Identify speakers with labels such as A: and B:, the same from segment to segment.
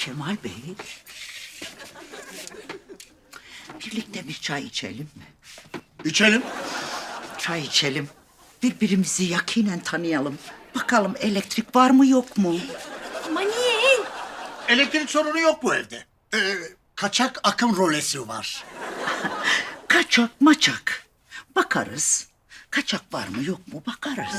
A: Kemal Bey, birlikte bir çay içelim mi?
B: İçelim.
A: Çay içelim. Birbirimizi yakinen tanıyalım. Bakalım elektrik var mı yok mu?
C: Ama niye?
B: Elektrik sorunu yok bu evde. Kaçak akım rolesi var.
A: Kaçak maçak. Bakarız. Kaçak var mı yok mu bakarız.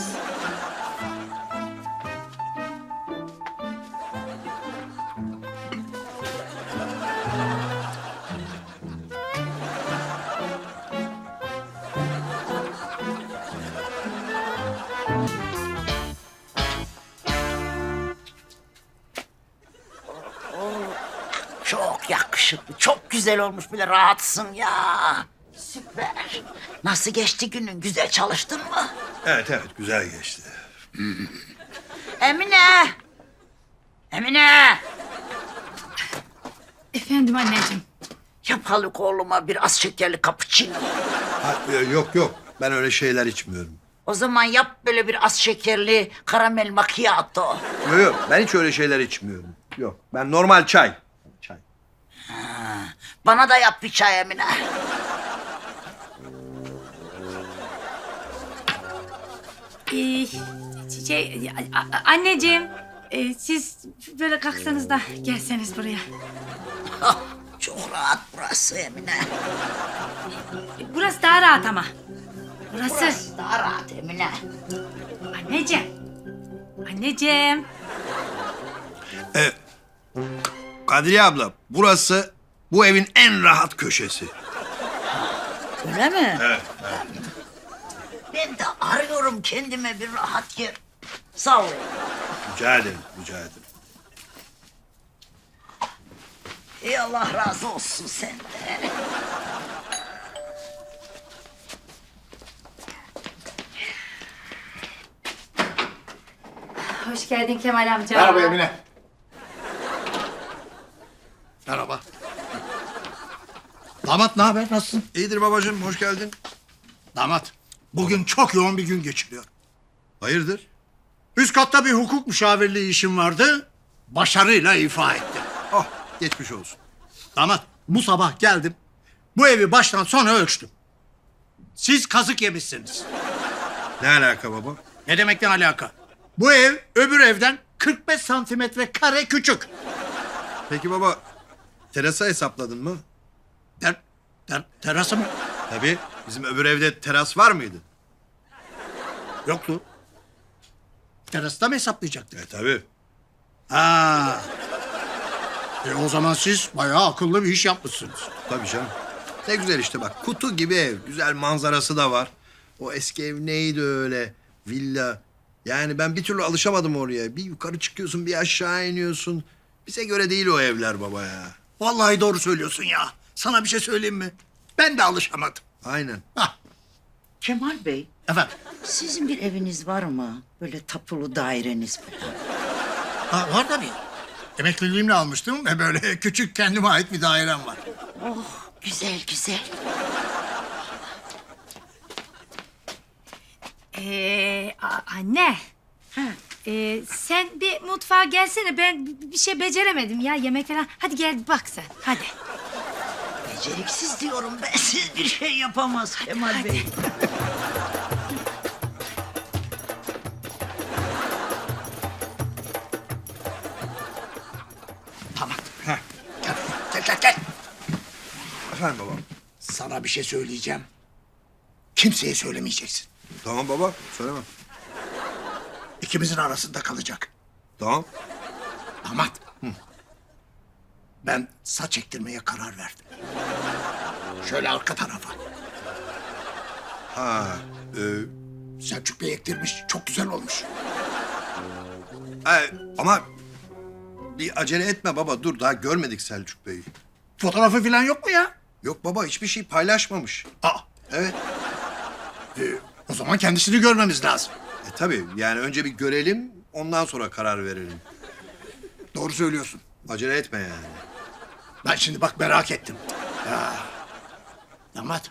A: Çok yakışıklı, çok güzel olmuş, bile rahatsın ya. Süper. Nasıl geçti günün? Güzel çalıştın mı?
D: Evet güzel geçti.
A: Emine! Emine!
C: Efendim anneciğim.
A: Yapalım oğluma bir az şekerli cappuccino.
D: Yok ben öyle şeyler içmiyorum.
A: O zaman yap böyle bir az şekerli karamel macchiato.
D: Yok ben hiç öyle şeyler içmiyorum. Yok ben normal çay. Çay.
A: Bana da yap bir çay Emine.
C: Ee, anneciğim. Siz böyle kalksanız da gelseniz buraya.
A: Ah, çok rahat burası Emine.
C: Burası daha rahat ama. Burası.
A: Burası daha rahat Emine.
C: Anneciğim. Anneciğim.
D: Kadriye abla burası bu evin en rahat köşesi.
A: Öyle mi?
D: Evet.
A: Ben de arıyorum kendime bir rahat yer. Sağ ol.
D: Rica ederim.
A: Ey Allah razı olsun senden.
C: Hoş geldin Kemal amca.
B: Merhaba Emine. Merhaba. Damat ne haber? Nasılsın?
D: İyidir babacığım hoş geldin.
B: Damat, bugün çok yoğun bir gün geçiriyor.
D: Hayırdır?
B: Üst katta bir hukuk müşavirliği işim vardı. Başarıyla ifa ettim.
D: Oh geçmiş olsun.
B: Damat, bu sabah geldim. Bu evi baştan sona ölçtüm. Siz kazık yemişsiniz.
D: Ne alaka baba?
B: Ne demekten alaka? Bu ev öbür evden 45 santimetre kare küçük.
D: Peki baba terası hesapladın mı?
B: Terası mı?
D: Tabii bizim öbür evde teras var mıydı?
B: Yoktu. Terasta mı hesaplayacaktık?
D: Tabii.
B: Ha. O zaman siz bayağı akıllı bir iş yapmışsınız.
D: Tabii canım. Ne güzel işte bak kutu gibi ev. Güzel manzarası da var. O eski ev neydi öyle? Villa. Yani ben bir türlü alışamadım oraya. Bir yukarı çıkıyorsun bir aşağı iniyorsun. Bize göre değil o evler baba ya.
B: Vallahi doğru söylüyorsun ya. Sana bir şey söyleyeyim mi? Ben de alışamadım.
D: Aynen.
B: Hah,
A: Kemal Bey,
B: efendim.
A: sizin bir eviniz var mı? Böyle tapulu daireniz falan.
B: Ha, var tabii. Emekliliğimle almıştım ve böyle küçük kendime ait bir dairem var.
A: Oh, güzel güzel.
C: Anne.
A: Ha,
C: Sen bir mutfağa gelsene. Ben bir şey beceremedim ya yemek falan. Hadi gel bak sen. Hadi.
A: beceriksiz diyorum ben. Siz bir şey yapamaz Kemal Bey.
B: Tamam. Heh. Gel.
D: Efendim baba.
B: Sana bir şey söyleyeceğim. Kimseye söylemeyeceksin.
D: Tamam baba söylemem.
B: İkimizin arasında kalacak.
D: Tamam.
B: Damat. Ben saç ektirmeye karar verdim. Şöyle arka tarafa.
D: Ha.
B: Selçuk Bey ektirmiş. Çok güzel olmuş.
D: Ama bir acele etme baba. Dur daha görmedik Selçuk Bey'i.
B: Fotoğrafı falan yok mu ya?
D: Yok baba hiçbir şey paylaşmamış.
B: Aa,
D: Evet.
B: o zaman kendisini görmemiz lazım.
D: Tabii yani önce bir görelim ondan sonra karar verelim.
B: Doğru söylüyorsun.
D: Acele etme yani.
B: Ben şimdi bak merak ettim. Ya. Damat.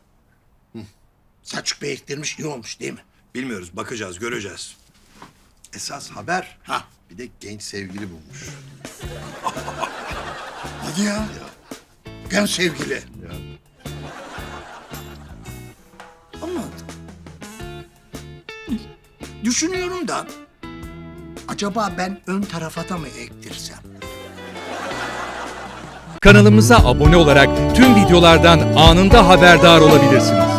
B: Selçuk Bey ektirmiş iyi olmuş değil mi?
D: Bilmiyoruz bakacağız göreceğiz. esas haber
B: Ha.
D: bir de genç sevgili bulmuş.
B: Hadi ya. Genç sevgili.
D: Ya.
B: Ama düşünüyorum da acaba ben ön tarafa da mı ektirsem?
E: Kanalımıza abone olarak tüm videolardan anında haberdar olabilirsiniz.